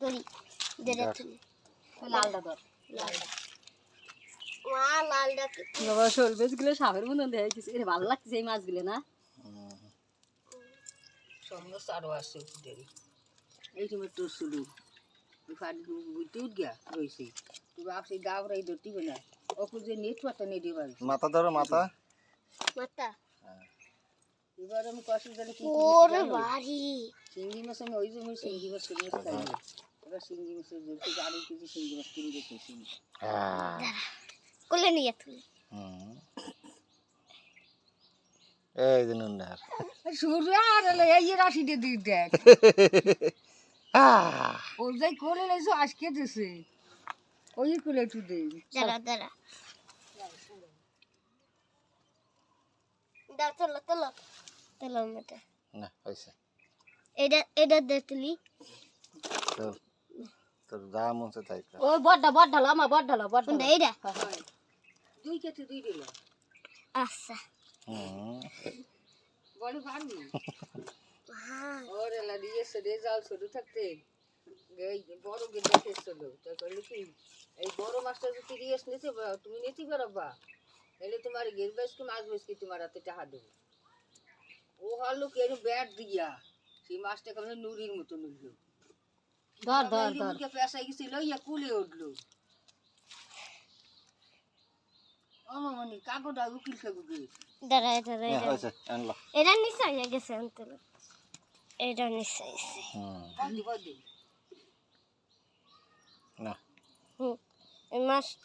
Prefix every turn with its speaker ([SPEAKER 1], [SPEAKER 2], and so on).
[SPEAKER 1] করি দেড়
[SPEAKER 2] লালটা ধর
[SPEAKER 1] মা লালটা
[SPEAKER 2] বাবা শোল মাছগুলো সাপের মতন দেখা গেছে এর ভালো লাগছে এই মাছগুলো না সমস্ত আরো আসছে দেরি এই সময় তোর শুধু ফাড়ি বুঝতে উঠ গিয়া রয়েছে তুই আপনি গাবরাই ধরতে না ওপর যে নেটওয়ার্কটা নেই দিবার
[SPEAKER 3] মাথা ধরো মাথা
[SPEAKER 1] মাথা
[SPEAKER 2] এবার আমি কষ্ট জানি কি
[SPEAKER 1] ওরে বাড়ি
[SPEAKER 2] চিংড়ি মাছ আমি ওই জন্য চিংড়ি মাছ খাই এবার চিংড়ি মাছের জন্য থেকে আরো কিছু চিংড়ি মাছ কিনে দেখেছি
[SPEAKER 1] কোলে নিয়ে তুই
[SPEAKER 3] এই যে নুনডার
[SPEAKER 2] সূর্য আর এই রাশিতে দিয়ে দেখ ও যাই কোলে লাইছো আজকে দিছে ওই কোলে একটু দে
[SPEAKER 1] দাঁড়া চলো মেটা
[SPEAKER 3] না হইছে
[SPEAKER 1] এটা দে তুলি
[SPEAKER 3] তো তোর যা মন চায় তাই কর।
[SPEAKER 2] ও বড় ঢালা আমার বড় ঢালা
[SPEAKER 1] কোনটা এইটা
[SPEAKER 2] দুই কেটে দুই দিল
[SPEAKER 1] আচ্ছা
[SPEAKER 2] বড় পারবি
[SPEAKER 1] হ্যাঁ
[SPEAKER 2] ওরে লা দিয়েছে রে জাল ছোট থাকতে এই বড় গেট দেখেছিল তো কইলি কি এই বড় মাছটা যদি রিয়েস নিতে তুমি নিতে পারবা এলে তোমার গের বেশ কি মাছ বেশ কি তোমার হাতে টাকা দেবো ও হলো কি এরকম ব্যাট দিয়া সেই মাছটা কেমন নুরির মতো নুরলো ধর পেশাই গেছিল ইয়া কুলে উঠলো অমামনি কাগজটা উকিল খাগুগে
[SPEAKER 1] দাঁড়া
[SPEAKER 3] হ্যাঁ হইছে আনলো
[SPEAKER 1] এটা নিশ্চয় হয়ে গেছে অন্তত এটা নিশ্চয়
[SPEAKER 2] বদি
[SPEAKER 3] না
[SPEAKER 1] এই মাছ